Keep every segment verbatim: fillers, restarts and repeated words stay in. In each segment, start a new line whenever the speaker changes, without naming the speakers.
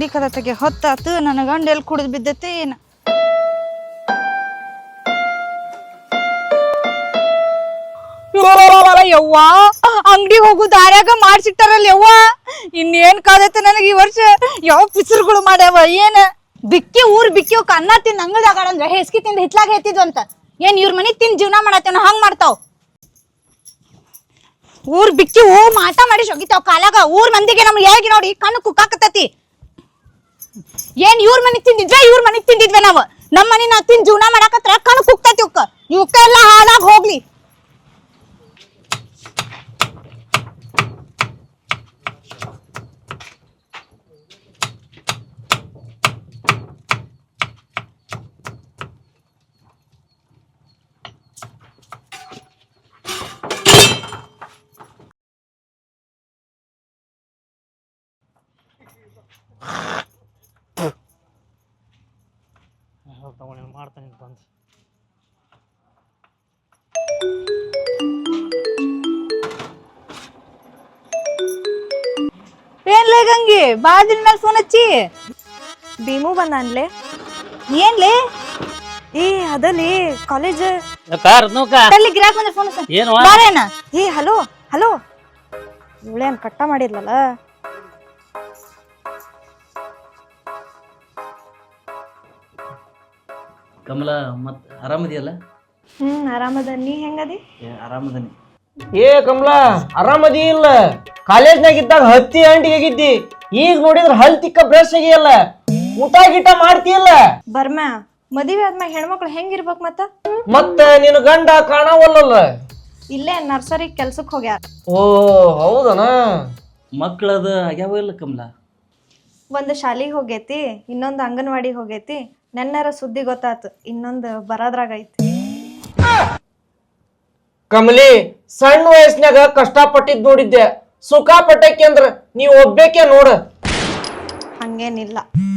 ಅಂಗಡಿ ಕದ ತೆಗೆ ಹೊತ್ತಾತು ನನ್ನ ಗಂಡ ಎಲ್ಲಿ ಕುಡಿದು ಬಿದ್ದೈತಿ ಏನ ಯವ್ವ ಅಂಗಡಿ ಹೋಗು ದಾರ್ಯಾಗ ಮಾಡ್ಸಿಟ್ಟಾರಲ್ಲ ಯವ್ವ ಇನ್ನೇನ್ ಕಾದೈತೆ ನನಗೆ ಈ ವರ್ಷ ಯಾವ ಪಿಸರುಗಳು ಮಾಡ್ಯಾವ ಏನ ಬಿಕ್ಕಿ ಊರ್ ಬಿಕ್ಕಿ ಅನ್ನ ತಿಂದ ಅಂಗಡಿಯಾಗ ಅಂದ್ರೆ ಹೆಸ್ಕಿ ತಿಂದ ಹಿತ್ಲಾಗ ಎತ್ತಿದ್ವು ಅಂತ ಏನ್ ಇವ್ರ ಮನಿ ತಿಂದ ಜೀವನ ಮಾಡತ್ತೇನ ಹಂಗ್ ಮಾಡ್ತಾವ್ ಊರ್ ಬಿಕ್ಕಿ ಹೂ ಮಾಟ ಮಾಡಿ ಹೋಗಿತಾವ್ ಕಾಲಾಗ ಊರ್ ಮಂದಿಗೆ ನಮ್ಗೆ ಹೇಗೆ ನೋಡಿ ಕಣ್ಣು ಕುಕ್ಕಾಕತ್ತತಿ ಏನ್ ಇವ್ರ ಮನಿಗ್ ತಿಂದಿದ್ವೆ ಇವ್ರ ಮನಿಗ್ ತಿಂದಿದ್ವೆ ನಾವ್ ನಮ್ ಮನಿ ನಾ ತಿಂದ್ ಜೀವನ ಮಾಡಾಕತ್ರ ಕಣ್ಣು ಕುಕ್ತತಿ ಉಕ್ಕ ಇವಕ್ಕ ಎಲ್ಲ ಹಾಳಾಗ್ ಹೋಗ್ಲಿ
ಮಾಡ್ತಾನೆ ಬಂದು
ಏನ್ಲೇ ಗಂಗಿ ಬಾಳ ದಿನ ಮೇಲೆ ಫೋನ್ ಹಚ್ಚಿ
ಭೀಮು ಬಂದಾನ್ಲೆ
ಏನ್ಲೇ
ಏ ಅದಲ್ಲಿ ಕಾಲೇಜ್
ಗಿರಾಕ್ ಬಂದ್ರೆ ಫೋನ್
ಏನು
ಬಾರೇನ
ಏ ಹಲೋ ಹಲೋ ಇವಳೇನ್ ಕಟ್ಟ ಮಾಡಿದ್ಲಲ್ಲ
ಕಮಲ ಮತ್ ಆರಾಮದಿಯಲ್ಲ
ಹ್ಮ್ ಆರಾಮದ ನೀ ಹೆಂಗದಿ
ಆರಾಮದನಿ
ಏ ಕಮಲಾ ಆರಾಮದಿ ಇಲ್ಲ ಕಾಲೇಜ್ನಾಗ ಇದ್ದಾಗ ಹತ್ತಿ ಅಂಟಿಗೆ ಆಗಿದ್ದಿ ಈಗ ನೋಡಿದ್ರ ಹಲ್ ತಿಕ್ಕ ಬ್ರಷ್ ಆಗಿಯಲ್ಲ ಊಟ ಗೀಟ ಮಾಡ್ತಿಯಲ್ಲ
ಬರ್ಮ್ಯಾ ಮದುವೆ ಆದ್ಮ್ಯಾಗ ಹೆಣ್ಮಕ್ಳು ಹೆಂಗಿರ್ಬೇಕ್ ಮತ್ತ
ಮತ್ತ ನಿನ್ ಗಂಡ ಕಾಣವಲ್ಲಲ್ಲ
ಇಲ್ಲೇ ನರ್ಸರಿ ಕೆಲ್ಸಕ್ ಹೋಗ್ಯಾರ
ಓ ಹೌದನ
ಮಕ್ಕಳದ ಆಗ್ಯಾವ ಇಲ್ಲ ಕಮಲ
ಒಂದ್ ಶಾಲಿಗೆ ಹೋಗೈತಿ ಇನ್ನೊಂದ್ ಅಂಗನವಾಡಿ ಹೋಗೈತಿ ನೆನ್ನರ ಸುದ್ದಿ ಗೊತ್ತಾತು ಇನ್ನೊಂದ್ ಬರೋದ್ರಾಗ ಐತಿ
ಕಮಲಿ ಸಣ್ಣ ವಯಸ್ಸಿನಾಗ ಕಷ್ಟಪಟ್ಟಿದ್ ನೋಡಿದ್ದೆ ಸುಖ ಪಟ್ಟಕ್ಕೆ ಅಂದ್ರ ನೀವ್ ಒಬ್ಬೇಕೆ ನೋಡ
ಹಂಗೇನಿಲ್ಲ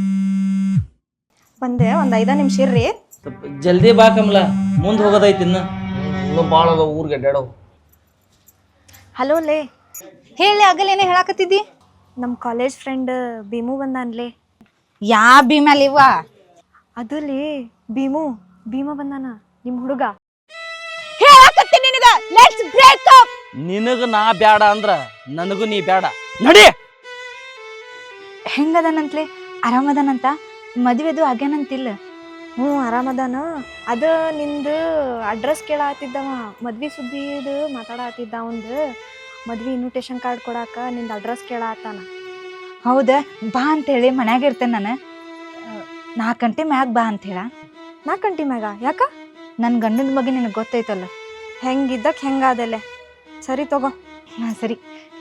ಬಂದೆ ಒಂದ್ ಐದ ನಿಮಿಷ ಇರ್ರಿ
ಜಲ್ದಿ ಬಾ ಕಮಲ ಮುಂದ್ ಹೋಗೋದೈತಿ ಇನ್ನ
ಇನ್ನು ಬಾಳ ಅದ ಊರ್ಗೆ ಅಡ್ಯಾಡೋ
ಹಲೋ ಲೇ
ಹೇಳಿ ಆಗಲೇನೆ ಹೇಳಾಕತ್ತಿದ್ದಿ
ನಮ್ ಕಾಲೇಜ್ ಫ್ರೆಂಡ್ ಭೀಮು ಬಂದಾನ್ಲೆ
ಯಾ ಭೀಮಲಿವ
ಅದು ಲೇ ಭೀಮು ಭೀಮ ಬಂದಾನ ನಿಮ್ ಹುಡುಗ
ಹೇಳಾಕತ್ತೀನಿ ನಿನಗ ಲೆಟ್ಸ್ ಬ್ರೇಕ್ ಅಪ್
ನಿನಗ ನಾ ಬ್ಯಾಡ ಅಂದ್ರ ನನಗೂ ನೀ ಬ್ಯಾಡ ನಡಿ
ಹೆಂಗದನಂತ್ಲೆ ಆರಾಮದನಂತ ಮದುವೆದು ಆಗ್ಯಾನಂತಿಲ್ಲ
ಹ್ಞೂ ಆರಾಮದಾನ ಅದ ನಿಂದು ಅಡ್ರೆಸ್ ಕೇಳಾತಿದ್ದವ ಮದ್ವಿ ಸುದ್ದಿದು ಮಾತಾಡತ್ತಿದ್ದ ಅವಂದು ಮದ್ವಿ ಇನ್ವಿಟೇಷನ್ ಕಾರ್ಡ್ ಕೊಡಾಕ ನಿಂದ ಅಡ್ರೆಸ್ ಕೇಳಾತಾನ
ಹೌದಾ ಬಾ ಅಂತೇಳಿ ಮನ್ಯಾಗ ಇರ್ತೇನೆ ನಾನು ನಾಲ್ಕು ಗಂಟೆ ಮ್ಯಾಗ ಬಾ ಅಂತ ಹೇಳ
ನಾಲ್ಕು ಗಂಟೆ ಮ್ಯಾಗ ಯಾಕ
ನನ್ನ ಗಂಡನ ಬಗ್ಗೆ ನಿನಗೆ ಗೊತ್ತೈತಲ್ಲ
ಹೆಂಗಿದ್ದಕ್ ಹೆಂಗಾದಲೆ ಸರಿ ತಗೋ
ಹಾಂ ಸರಿ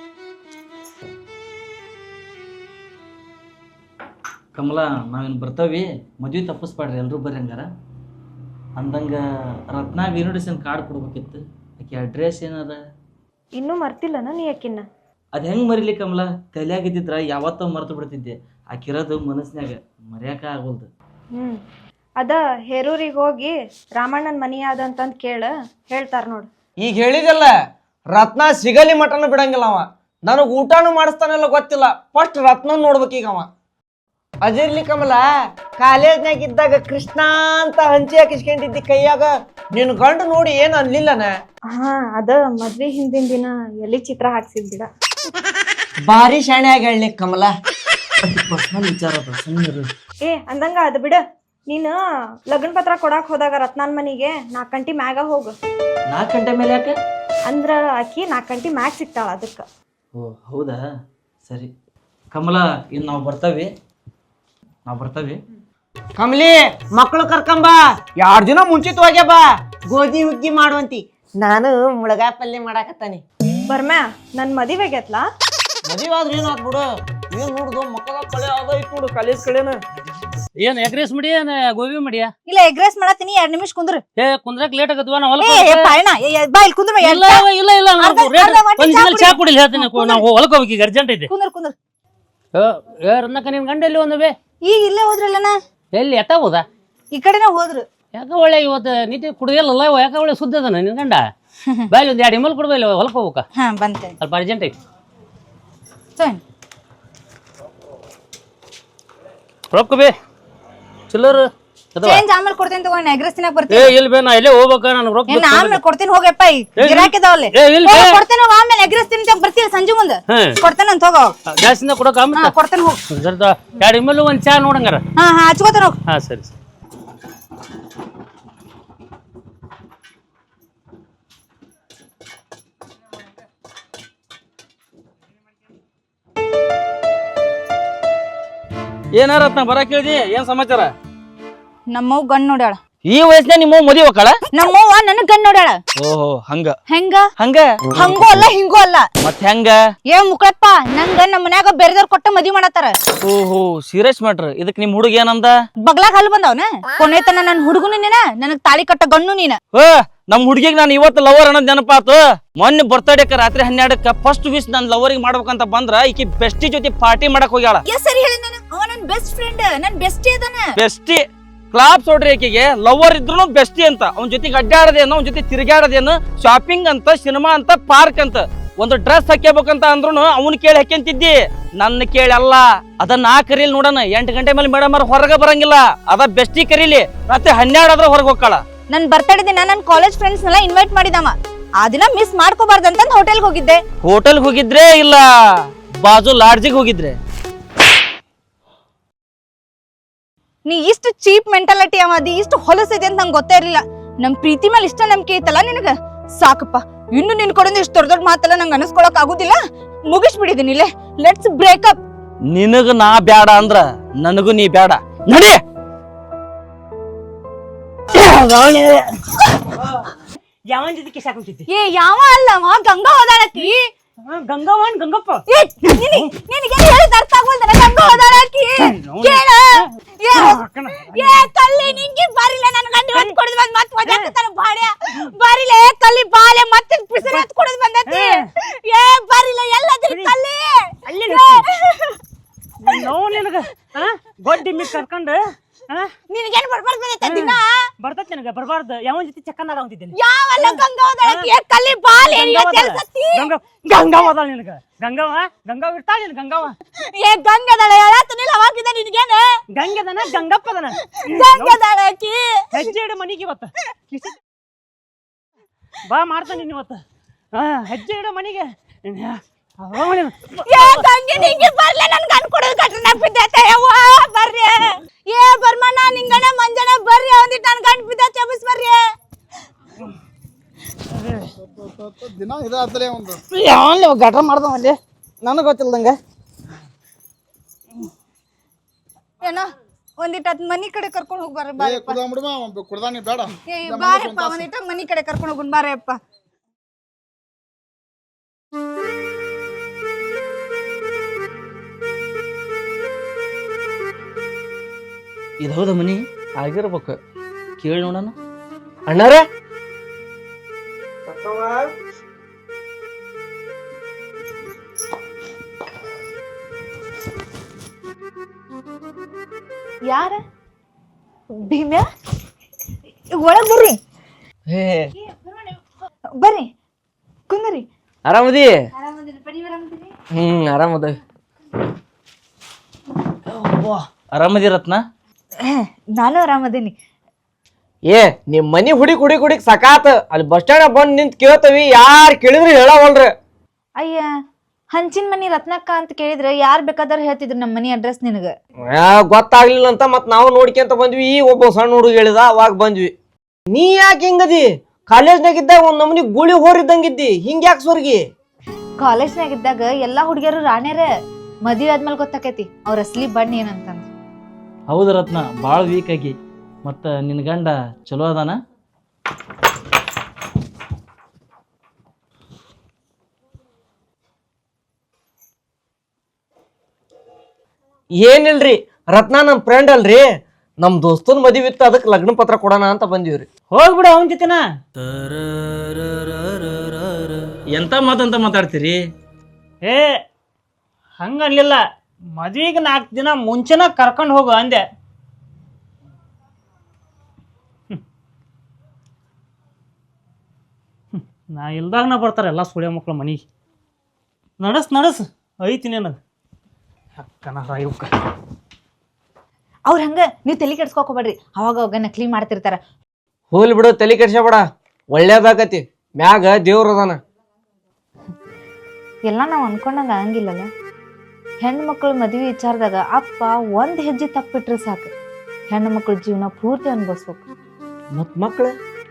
ಕಮಲ ನಾವೇನು ಬರ್ತಾವಿ ಮದ್ವೆ ತಪ್ಪಿಸ್ಬಾಡ್ರಿ ಎಲ್ರೂ ಬರ್ರಿ ಹಂಗಾರ ಅಂದಂಗ ರತ್ನ ಇನ್ವಿಟೇಷನ್ ಕಾರ್ಡ್ ಕೊಡ್ಬೇಕಿತ್ತು ಆಕೆ ಅಡ್ರೆಸ್ ಏನಾರ
ಇನ್ನೂ ಮರ್ತಿಲ್ಲನ ನೀ ಯಾಕಿನ್ನ
ಅದು ಹೆಂಗೆ ಮರಿಲಿ ಕಮಲ ತಲೆಯಾಗಿದ್ದಿದ್ರ ಯಾವತ್ತೋ ಮರ್ತು ಬಿಡ್ತಿದ್ದೆ ಆಕಿರೋದು ಮನಸ್ನ್ಯಾಗ ಮರ್ಯಾಕ ಆಗೋಲ್ದು
ಹ್ಞೂ ಅದ ಹೇರೂರಿಗೆ ಹೋಗಿ ರಾಮಣ್ಣನ ಮನಿ ಯಾವ್ದಂತಂದು ಕೇಳ ಹೇಳ್ತಾರ ನೋಡು
ಈಗ ಹೇಳಿದಲ್ಲ ರತ್ನ ಸಿಗಲಿ ಮಟನ ಬಿಡಂಗಿಲ್ಲ ಅವ ನನಗ್ ಊಟನು ಮಾಡಿಸ್ತಾನೆಲ್ಲ ಗೊತ್ತಿಲ್ಲ ಫಸ್ಟ್ ರತ್ನ ನೋಡ್ಬೇಕೀಗ ಅವ ಅದಿರ್ಲಿ ಕಮಲ ಕಾಲೇಜ್ನಾಗ ಇದ್ದಾಗ ಕೃಷ್ಣ ಅಂತ ಹಂಚಿ ಹಾಕಿಸ್ಕೊಂಡಿದ್ದಿ ಕೈಯಾಗ ನಿನ್ ಗಂಡು ನೋಡಿ ಏನ್ ಅನ್ಲಿಲ್ಲನ
ಹಾ ಅದ ಮದ್ವೆ ಹಿಂದಿನ ದಿನ ಎಲ್ಲಿ ಚಿತ್ರ ಹಾಕ್ಸಿದ್ ಬಿಡ
ಭಾರಿ ಶಾಣೆ ಆಗಿ ಹೇಳಿ ಕಮಲ
ಪರ್ಸನಲ್ ವಿಚಾರ ಅದ ಸುಮ್ಮನಿರು
ಏ ಅಂದಂಗ ಅದ ಬಿಡ ನೀನು ಲಗ್ನ ಪತ್ರ ಕೊಡಾಕ್ ಹೋದಾಗ ರತ್ನಾನ್ ಮನಿಗೆ ನಾಲ್ಕು ಗಂಟೆ ಮ್ಯಾಗ ಹೋಗು
ನಾಲ್ಕು ಗಂಟೆ ಮೇಲೆ ಯಾಕೆ
ಅಂದ್ರ ಆಕಿ ನಾಲ್ಕು ಗಂಟೆ ಮ್ಯಾಗ ಸಿಗ್ತಾಳ ಅದಕ್ಕ
ಓ ಹೌದಾ ಸರಿ ಕಮಲ ಇನ್ನು ನಾವು ಬರ್ತಾವಿ ನಾವು ಬರ್ತಾವಿ
ಕಮಲಿ ಮಕ್ಕಳು ಕರ್ಕೊಂಬ ಎರಡ್ ದಿನ ಮುಂಚಿತವಾಗ್ಯ ಬಾ ಗೋಧಿ ಹುಗ್ಗಿ ಮಾಡುವಂತಿ ನಾನು ಮುಳಗಾಯಿ ಪಲ್ಯ ಮಾಡಾಕತ್ತಾನೆ
ಬರ್ಮ್ಯಾ ನನ್ ಮದಿವೆಗೆತ್ಲಾ
ಮದುವೆ ಆದ್ರೆ ಏನಾತ್ ಬಿಡು ಏನ್ ನೋಡುದು ಮಕ್ಕಳ ಕಳೆ ಆದೈತ್ ನೋಡು ಕಾಲೇಜ್ ಕಡೆನ
ಏನ್ ಎಗ್ರೆಸ್ ಮಡಿ ಏನ್ ಗೋಬಿ ಮಡಿಯಾ
ಇಲ್ಲ ಎಗ್ರೆಸ್ ಮಾಡತ್ತೀನಿ ಎರಡ್ ನಿಮಿಷ ಕುಂದ್ರ
ಏ ಕುಂದ್ರಕ್ ಲೇಟ್ ಆಗತ್ವಾ ನಾ ಹೊಲಕ್
ಏ ಪಾಯಣ ಬಾ ಇಲ್ಲಿ ಕುಂದ್ರ
ಇಲ್ಲ ಇಲ್ಲ ಇಲ್ಲ ನಾವು ರೇಟ್ ಚಾ ಕುಡಿಲಿ ಹೇಳ್ತೀನಿ ನಾವು ಹೊಲಕ್ ಹೋಗ್ಬೇಕು ಈಗ ಅರ್ಜೆಂಟ್ ಐತಿ
ಕುಂದ್ರ ಕುಂದ್ರ
ಏ ರನ್ನಕ ನಿನ್ ಗಂಡ ಎಲ್ಲಿ ಒಂದವೆ
ಈಗ ಇಲ್ಲೇ ಹೋದ್ರಲ್ಲನ
ಎಲ್ಲಿ ಎತ್ತ ಹೋದ
ಈ ಕಡೆನ ಹೋದ್ರು
ಯಾಕ ಒಳ್ಳೆ ಇವತ್ತು ನೀತಿ ಕುಡಿಯಲ್ಲ ಯಾಕ ಒಳ್ಳೆ ಸುದ್ದಿ ಅದ ನಿನ್ ಗಂಡ ಬಾಯ್ ಒಂದ್ ಎರಡು ಇಮಲ್ ಕೊಡ್ಬಾ ಹೊಲಕ್ ಹೋಗ್ಬೇಕ
ಹಾ ಬಂತೇನೆ
ಸ್ವಲ್ಪ ಅರ್ಜೆಂಟ್ ಐತಿ
ರೊಕ್ಕ ಬೇ ಚಿಲ್ಲರ್ ಅದಾವ.
ಚೇಂಜ್ ಆಮೇಲೆ ಕೊಡ್ತೀನಿ ತಗೋ ಎಗ್ರೆಸ್ ತಿನ್ನಕ್
ಏ
ಬರ್ತೀನಿ
ಇಲ್ಲ ಬೇ ನಾ ಇಲ್ಲೇ ಹೋಗ್ಬೇಕ ನನಗೆ ರೊಕ್ಕ
ಏನ್
ಬೇಕು.
ಆಮೇಲೆ ಕೊಡ್ತೀನಿ ಹೋಗಪ್ಪ ಈಗ
ಏ,
ಗಿರಾಕಿದಾವಲ್ಲಿ
ಏ, ಇಲ್ಲ ಬೇ.
ಕೊಡ್ತೇನೆ ಹೋಗ ಆಮೇಲೆ ಎಗ್ರೆಸ್ ತಿಂತ ಬರ್ತೀವಿ ಸಂಜೆ ಮುಂದೆ
ಹ್ಮ್.
ಕೊಡ್ತೇನೆ ಅಂತ ಹೋಗೋ
ಗ್ಯಾಸಿಂದ ಕೊಡಕ
ಹಾ ಕೊಡ್ತೇನೆ ಹೋಗ್
ಜರ್ದ ಎರಡು ಇಮೇಲೆ ಒಂದು ಚಾ ನೋಡಂಗಾರ.
ಹಾ ಹಾ ಹಚ್ಕೋತೇನೆ ಹೋಗ್
ಹಾಂ ಸರಿ ಸರಿ. ಏನಾರತ್ನ ಬರ ಕೇಳಿದಿ ಏನ್ ಸಮಾಚಾರ?
ನಮ್ಮವ್ ಗಂಡ್ ನೋಡ್ಯಾಳ
ಈ ವಯಸ್ಸಿನ ನಿಮ್ಮ ಮದುವೆ ಹೋಗಲ್ಲ?
ನಮ್ಮವ್ವ ನನಗ್ ಗಂಡ್ ನೋಡ್ಯಾಳ
ಓಹೋ ಹಂಗ
ಹೆಂಗ
ಹಂಗ
ಹಂಗೂ ಅಲ್ಲ ಹಿಂಗೂ ಅಲ್ಲ
ಮತ್ ಹೆಂಗ?
ಏ ಮುಕ್ಕಳಪ್ಪ ನಂಗ ನಮ್ಮ ಮನ್ಯಾಗ ಬೇರೆದವ್ರ ಕೊಟ್ಟ ಮದ್ವಿ ಮಾಡತ್ತಾರ
ಓಹೋ ಸೀರಿಯಸ್ ಮ್ಯಾಟ್ರ್. ಇದಕ್ ನಿಮ್ ಹುಡುಗ ಏನಂದ?
ಬಗ್ಲಾಗ ಹಲ್ ಬಂದವನ ಕೊನೆತನ ನನ್ ಹುಡುಗನು ನೀನ ನನಗ್ ತಾಳಿ ಕಟ್ಟ ಗಣ್ಣು ನೀನ
ಓ ನಮ್ ಹುಡುಗಿಗೆ ನಾನು ಇವತ್ತು ಲವರ್ ಅನ್ನೋದ್ ನೆನಪಾತು. ಮೊನ್ನೆ ಬರ್ತಡೇಕ ರಾತ್ರಿ ಹನ್ನೆರಡಕ್ಕ ಫಸ್ಟ್ ವಿಶ್ ನನ್ ಲವರಿಗೆ ಮಾಡ್ಬೇಕಂತ ಬಂದ್ರ ಈಕಿ ಬೆಸ್ಟಿ ಜೊತೆ ಪಾರ್ಟಿ ಮಾಡಕ್ ಹೋಗ್ಯಾಳ.
ಸರಿ ಹೇಳಿ ನಾನು ಅವ ನನ್ ಬೆಸ್ಟ್ ಫ್ರೆಂಡ್ ನನ್ ಬೆಸ್ಟಿ ಅದಾನ
ಬೆಸ್ಟಿ ಕ್ಲಾಪ್ಸ್ ಹೊಡ್ರಿ ಆಕಿಗೆ. ಲವರ್ ಇದ್ರು ಬೆಸ್ಟಿ ಅಂತ. ಅವನ ಜೊತೆಗೆ ಅಡ್ಡಾಡದೇನು, ಅವನ ಜೊತೆ ತಿರುಗಾಡದೇನು, ಶಾಪಿಂಗ್ ಅಂತ, ಸಿನಿಮಾ ಅಂತ, ಪಾರ್ಕ್ ಅಂತ. ಒಂದು ಡ್ರೆಸ್ ಹಾಕ್ಯಬೇಕಂತ ಅಂದ್ರೂ ಅವ್ನ ಕೇಳಿ ಹಾಕ್ಯಂತಿದ್ದಿ, ನನ್ನ ಕೇಳಿ ಅಲ್ಲ. ಅದ ನಾ ಕರೀಲಿ ನೋಡೋಣ. ಎಂಟು ಗಂಟೆ ಮೇಲೆ ಮೇಡಮ್ ಅವ್ರ ಹೊರಗೆ ಬರಂಗಿಲ್ಲ. ಅದ ಬೆಸ್ಟಿ ಕರೀಲಿ. ರಾತ್ರಿ ಹನ್ನೆರಡು ಆದ್ರೆ ಹೊರಗೆ ಹೋಗ್ಕಳ.
ನನ್ ಬರ್ತಡೇ ದಿನ ನನ್ ಕಾಲೇಜ್ ಫ್ರೆಂಡ್ಸ್ ನೆಲ್ಲ ಇನ್ವೈಟ್ ಮಾಡಿದವ. ಆ ದಿನ ಮಿಸ್ ಮಾಡ್ಕೋಬಾರ್ದಂತ ಹೋಟೆಲ್ಗೆ ಹೋಗಿದ್ದೆ.
ಹೋಟೆಲ್ ಹೋಗಿದ್ರೆ ಇಲ್ಲ ಬಾಜು ಲಾಡ್ಜಿಗೆ ಹೋಗಿದ್ರೆ?
ನೀ ಇಷ್ಟು ಚೀಪ್ ಮೆಂಟಾಲಿಟಿ ಅವದಿ, ಇಷ್ಟು ಹೊಲಸೈತೆ ಅಂತ ನಂಗೆ ಗೊತ್ತೇ ಇರ್ಲಿಲ್ಲ. ನಮ್ ಪ್ರೀತಿ ಮೇಲೆ ಇಷ್ಟ ನಂಬಿಕೆ ಐತಲ್ಲ ನಿನಗ, ಸಾಕಪ್ಪ. ಇನ್ನು ನಿನ್ ಕಡೆಯಿಂದ ಇಷ್ಟು ದೊಡ್ಡ ದೊಡ್ಡ ಮಾತೆಲ್ಲ ನಂಗೆ ಅನಿಸ್ಕೊಳಕ್ ಆಗುದಿಲ್ಲ. ಮುಗಿಸ್ಬಿಡಿದೀನಿ ಇಲ್ಲೇ. Let's breakup.
ನಿನಗ ನಾ ಬ್ಯಾಡ ಅಂದ್ರ ನನಗೂ ನೀ ಬ್ಯಾಡ. ನಡಿ.
ಯಾವನ್ ಜೊತೆ ಕಿಸ್ ಹಾಕೊಂತಿದ್ದಿ?
ಏ ಯಾವ ಅಲ್ಲ ಅವ ಗಂಗಾ ಹೋದಾಳಕಿ.
ಗಂಗವನ್ ಗಂಗಪ್ಪ.
ಏ ನಿನಗೆ ನಿನಗೆ ಹೇಳಿದ ಅರ್ಥ ಆಗೋಲ್ದನ? ಗಂಗಾ ಹೋದಾಳಕಿ ಕೇಳ. ಏ ಏ ಕಲ್ಲಿ ನಿಂಗೆ ಬಾರಿಲ್ಲ ನನ್ನ ಗಂಡ ಹೊತ್ತು ಕೊಡದ್ ಬಂದ್ ಮತ್ತೆ ಮಜಾ ಆಗ್ತಾನ ಬಾಡ್ಯ ಬಾರಿಲ್ಲ. ಏ ಕಲ್ಲಿ ಬಾಲೆ ಮತ್ತೆ ಪಿಸರ ಹೊತ್ತು ಕೊಡದ್ ಬಂದತಿ. ಏ ಬಾರಿಲ್ಲ ಎಲ್ಲದ್ರಿ ಕಲ್ಲಿ
ಅಲ್ಲಿ ನೋವು ನಿನಗ ಗೊಡ್ಡಿ ಮಿ ಕರ್ಕೊಂಡು
ನಿನಗೇನು ಬರ್ಬಾರ್ದು ಬಂದೈತೆ ದಿನ?
ಬರ್ತೈತಿ ನನಗ ಬರ್ಬಾರ್ದು. ಯಾವನ್ ಜೊತೆ ಚಕ್ಕನಾಗ ಅಂತಿದ್ದೀನಿ.
ಯಾವಲ್ಲ ಗಂಗಾ ಹೋದಾಳಕಿ. ಏ ಕಲ್ಲಿ ಬಾಲೆ ಎಲ್ಸತ್ತಿ.
ಗಂಗಾವ ಅದಾಳ ನಿನಗ. ಗಂಗವ ಗಂಗಾವ ಇರ್ತಾಳ ನಿನ್ ಗಂಗವ.
ಏ ಗಂಗದಾಳ ಹೇಳತ್ತನಿಲ್ಲ ಅವಾಗಿದ ನಿನಗೇನು?
ಗಂಗೆದನ ಗಂಗಪ್ಪದನ
ಗಂಗದಾಳಕಿ.
ಹೆಜ್ಜೆ ಇಡು ಮನಿಗೆ ಇವತ್ತ. ಬಾ ಮಾಡ್ತಾನೆ ನೀನ್ ಇವತ್ತ. ಹಾ ಹೆಜ್ಜೆ ಇಡು ಮನಿಗೆ.
ಏ ಗಂಗೆ ನಿಂಗೆ ಬರ್ಲ ನನ್ ಗಂಡ ಕೊಡೋದು ಕಟ್ಟ ನೆನಪಿದ್ದೈತೆ. ಯವ್ವ ಬರ್ರಿ. ಏ ಬರ್ಮಣ್ಣ ನಿಂಗಣ ಮಂಜನ ಬರ್ರಿ. ಒಂದಿಟ್ಟು ನನ್ ಗಂಡ ಬಿದ್ದೈತೆ ಎಬ್ಬಿಸ್ ಬರ್ರಿ.
ದಿನ ಇದಾತಲೇ ಒಂದು
ಯಾವ ಗಟ್ರ ಮಾಡ್ದವಲ್ಲಿ ನನಗೆ ಗೊತ್ತಿಲ್ದಂಗ.
ಏನ ಒಂದಿಟ್ಟು ಅದ್ ಮನಿ ಕಡೆ ಕರ್ಕೊಂಡು ಹೋಗಿ ಬರ್ರಿ.
ಏ
ಬಾರಪ್ಪ.
ಕುಡ್ದ ಬಿಡುವ ಕುಡ್ದಾನಿ ಬೇಡ.
ಏ ಬಾರಪ್ಪ ಒಂದಿಟ್ಟು ಮನಿ ಕಡೆ ಕರ್ಕೊಂಡು ಹೋಗುನ್ ಬಾರಪ್ಪ.
ಇದು ಹೌದ ಮನಿ ಆಗಿರ್ಬೇಕು. ಕೇಳಿ ನೋಡೋಣ.
ಅಣ್ಣಾರ
ಯಾರ ಭೀಮ್ಯಾ ಒಳಗ್ ಬರ್ರಿ. ಬರ್ರಿ ಕುಂದ್ರಿ.
ಆರಾಮದಿ? ಹ್ಮ್ ಆರಾಮದ.
ಆರಾಮದಿ ರತ್ನ?
ನಾನು ಆರಾಮದೇನಿ.
ಏ ನಿಮ್ ಮನಿ ಹುಡುಕ್ ಹುಡುಕ್ ಹುಡುಕ್ ಸಕಾತ. ಅಲ್ಲಿ ಬಸ್ ಸ್ಟ್ಯಾಂಡ್ ಬಂದ್ ನಿಂತ್ ಕೇಳ್ತವಿ, ಯಾರ್ ಕೇಳಿದ್ರಿ ಹೇಳವಲ್ರಿ.
ಅಯ್ಯ ಹಂಚಿನ ಮನಿ ರತ್ನಕ್ಕ ಅಂತ ಕೇಳಿದ್ರೆ ಯಾರ್ ಬೇಕಾದ್ರ ಹೇಳ್ತಿದ್ರು ನಮ್ಮ ಮನಿ ಅಡ್ರೆಸ್ ನಿನಗ.
ಗೊತ್ತಾಗ್ಲಿಲ್ಲ ಅಂತ ಮತ್ ನಾವು ನೋಡ್ಕೊಂತ ಬಂದ್ವಿ. ಈ ಒಬ್ಬ ಸಣ್ಣ ಹುಡುಗ ಹೇಳಿದ, ಅವಾಗ ಬಂದ್ವಿ. ನೀ ಯಾಕೆ ಹಿಂಗದಿ? ಕಾಲೇಜ್ನಾಗ ಇದ್ದಾಗ ಒಂದ್ ನಮ್ನಿ ಗುಳಿ ಹೋರಿದ್ದಂಗಿದ್ದಿ, ಹಿಂಗ್ ಯಾಕೆ ಸ್ವರ್ಗಿ?
ಕಾಲೇಜ್ನಾಗ ಇದ್ದಾಗ ಎಲ್ಲಾ ಹುಡುಗಿಯರು ರಾಣ್ಯರ. ಮದ್ವಿ ಆದ್ಮೇಲೆ ಗೊತ್ತಾಕೈತಿ ಅವ್ರ ಅಸಲಿ ಬಣ್ಣ ಏನಂತಂದ್.
ಹೌದು ರತ್ನ, ಭಾಳ ವೀಕ್ ಆಗಿ. ಮತ್ತು ನಿನ್ನ ಗಂಡ ಚಲೋ ಅದಾನ?
ಏನಿಲ್ರಿ, ರತ್ನ ನಮ್ ಫ್ರೆಂಡ್ ಅಲ್ರಿ. ನಮ್ ದೋಸ್ತನ್ ಮದ್ವಿ ಇತ್ತು, ಅದಕ್ಕೆ ಲಗ್ನ ಪತ್ರ ಕೊಡೋಣ ಅಂತ ಬಂದಿವ್ರಿ.
ಹೋಗ್ಬಿಡ ಅವನ ಜೊತೆನ.
ಎಂತ ಮಾತಂತ ಮಾತಾಡ್ತೀರಿ?
ಏ ಹಂಗನ್ಲಿಲ್ಲ, ಮದ್ವಿಗೆ ನಾಲ್ಕು ದಿನ ಮುಂಚೆನ ಕರ್ಕೊಂಡು ಹೋಗು ಅಂದೆ. ನಾ ಇಲ್ದಾಗ ನಾ ಬರ್ತಾರೆ ಎಲ್ಲ ಸುಳ್ಯ ಮಕ್ಳು ಮನಿಗೆ. ನಡಸ್ ನಡಸ್ ಐತಿ ನನಗೆ ಅಕ್ಕನ ಇವಕ್ಕ.
ಅವ್ರ ಹಂಗ ನೀವು ತಲೆ ಕೆಡ್ಸ್ಕೊಬೇಡ್ರಿ, ಅವಾಗ ಅವಾಗ ನಕಲಿ ಮಾಡ್ತಿರ್ತಾರ.
ಹೋಗ್ಲಿ ಬಿಡು, ತಲೆ ಕೆಡ್ಸ್ಯಾಬೇಡ, ಒಳ್ಳೇದಾಗತಿ. ಮ್ಯಾಗ ದೇವ್ರ ಅದಾನ.
ಎಲ್ಲ ನಾವು ಅನ್ಕೊಂಡಂಗ ಆಗಂಗಿಲ್ಲಲ್ಲ. ಹೆಣ್ಣು ಮಕ್ಕಳು ಮದುವೆ ವಿಚಾರದಾಗ ಅಪ್ಪ ಒಂದ್ ಹೆಜ್ಜೆ ತಪ್ಪಿಟ್ರೆ ಸಾಕು, ಹೆಣ್ಣು ಮಕ್ಕಳ ಜೀವನ ಪೂರ್ತಿ ಅನ್ಭವಿಸ್ಬೇಕು.
ಮತ್ ಮಕ್ಳು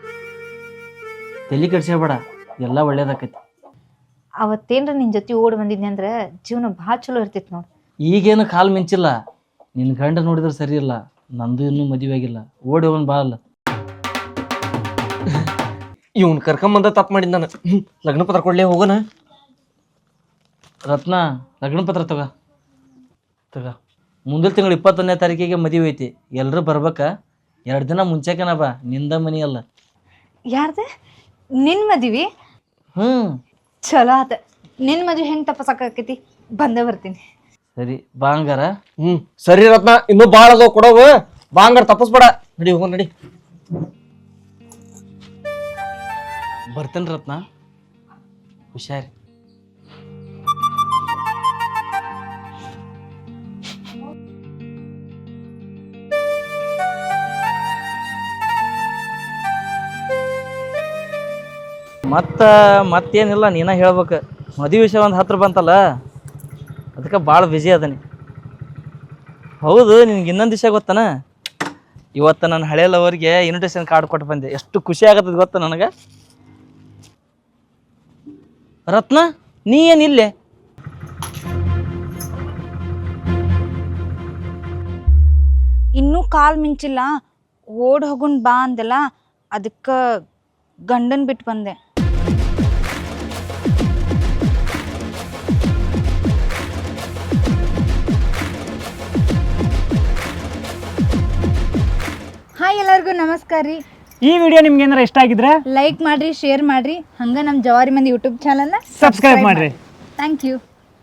ತಲೆ ಕೆಡ್ಸ್ಯಾಬೇಡ, ಎಲ್ಲ ಒಳ್ಳೇದಾಕೈತಿ.
ಅವತ್ತೇನ್ರ ನಿನ್ ಜೊತೆ ಓಡ್ ಬಂದಿದ್ನಿ ಅಂದ್ರ ಜೀವನ ಭಾಳ ಚಲೋ ಇರ್ತಿತ್ತು ನೋಡ್.
ಈಗೇನು ಕಾಲ್ ಮಿಂಚಿಲ್ಲ, ನಿನ್ನ ಗಂಡ ನೋಡಿದ್ರೆ ಸರಿ ಇಲ್ಲ, ನಂದು ಇನ್ನೂ ಮದುವೆ ಆಗಿಲ್ಲ, ಓಡಿ ಹೋಗೋನ್ ಬಾ ಅಲ್ಲ.
ಇವ್ನ ಕರ್ಕೊಂಬಂದ ತಪ್ಪು ಮಾಡಿದ್ ನಾನು. ಹ್ಮ್, ಲಗ್ನ ಪತ್ರ ಕೊಡ್ಲೇ, ಹೋಗೋಣ.
ರತ್ನ, ಲಗ್ನ ಪತ್ರ ತಗ ತಗ ಮುಂದಿನ ತಿಂಗಳು ಇಪ್ಪತ್ತೊಂದನೇ ತಾರೀಕಿಗೆ ಮದುವೆ ಐತಿ, ಎಲ್ಲರೂ ಬರ್ಬೇಕಾ? ಎರಡು ದಿನ ಮುಂಚೆಕನ ಬಾ, ನಿಂದ ಮನಿ ಅಲ್ಲ.
ಯಾರ್ದ? ನಿನ್ ಮದ್ವಿ?
ಹ್ಞೂ
ಚಲೋ ಆತ. ನಿನ್ ಮದ್ವಿ ಹೆಂಗ್ ತಪ್ಪಸಾಕೈತಿ, ಬಂದೇ ಬರ್ತೀನಿ.
ಸರಿ ಬಾ ಹಂಗಾರ.
ಹ್ಮ್ ಸರಿ ರತ್ನ, ಇನ್ನೂ ಭಾಳ ಅದಾವ ಕೊಡವು, ಬಾ ಹಂಗಾರ ತಪ್ಪಸ್ಬೇಡ. ನಡಿ ಹೋಗೋಣ, ನಡಿ.
ಬರ್ತೇನೆ ರತ್ನ, ಹುಷಾರಿ. ಮತ್ತ ಮತ್ತೇನಿಲ್ಲ, ನೀನ ಹೇಳ್ಬೇಕು. ಮದುವೆ ವಿಷಯ ಒಂದು ಹತ್ರ ಬಂತಲ್ಲ, ಅದಕ್ಕೆ ಭಾಳ ಬ್ಯುಸಿ ಅದನಿ. ಹೌದು, ನಿನ್ಗೆ ಇನ್ನೊಂದು ವಿಷಯ ಗೊತ್ತನ? ಇವತ್ತು ನನ್ನ ಹಳೆ ಲವರ್ಗೆ ಇನ್ವಿಟೇಷನ್ ಕಾರ್ಡ್ ಕೊಟ್ಟು ಬಂದೆ. ಎಷ್ಟು ಖುಷಿ ಆಗತ್ತದ ಗೊತ್ತ ನನಗೆ. ರತ್ನ, ನೀ ಏನಿಲ್ಲೇ?
ಇನ್ನೂ ಕಾಲ್ ಮಿಂಚಿಲ್ಲ, ಓಡ್ ಹೋಗುನ್ ಬಾ ಅಂದೆಲ್ಲ, ಅದಕ್ಕ ಗಂಡನ್ ಬಿಟ್ಟು ಬಂದೆ. ಹಾಯ್, ಎಲ್ಲರಿಗೂ ನಮಸ್ಕಾರ ರೀ.
ಈ ವಿಡಿಯೋ ನಿಮ್ಗೆ ಏನಾರ ಇಷ್ಟ ಆಗಿದ್ರೆ
ಲೈಕ್ ಮಾಡ್ರಿ, ಶೇರ್ ಮಾಡ್ರಿ, ಹಂಗ ನಮ್ಮ ಜವಾರಿ ಮಂದಿ ಯೂಟ್ಯೂಬ್ ಚಾನಲ್ನ
ಸಬ್ಸ್ಕ್ರೈಬ್ ಮಾಡ್ರಿ.
Thank you.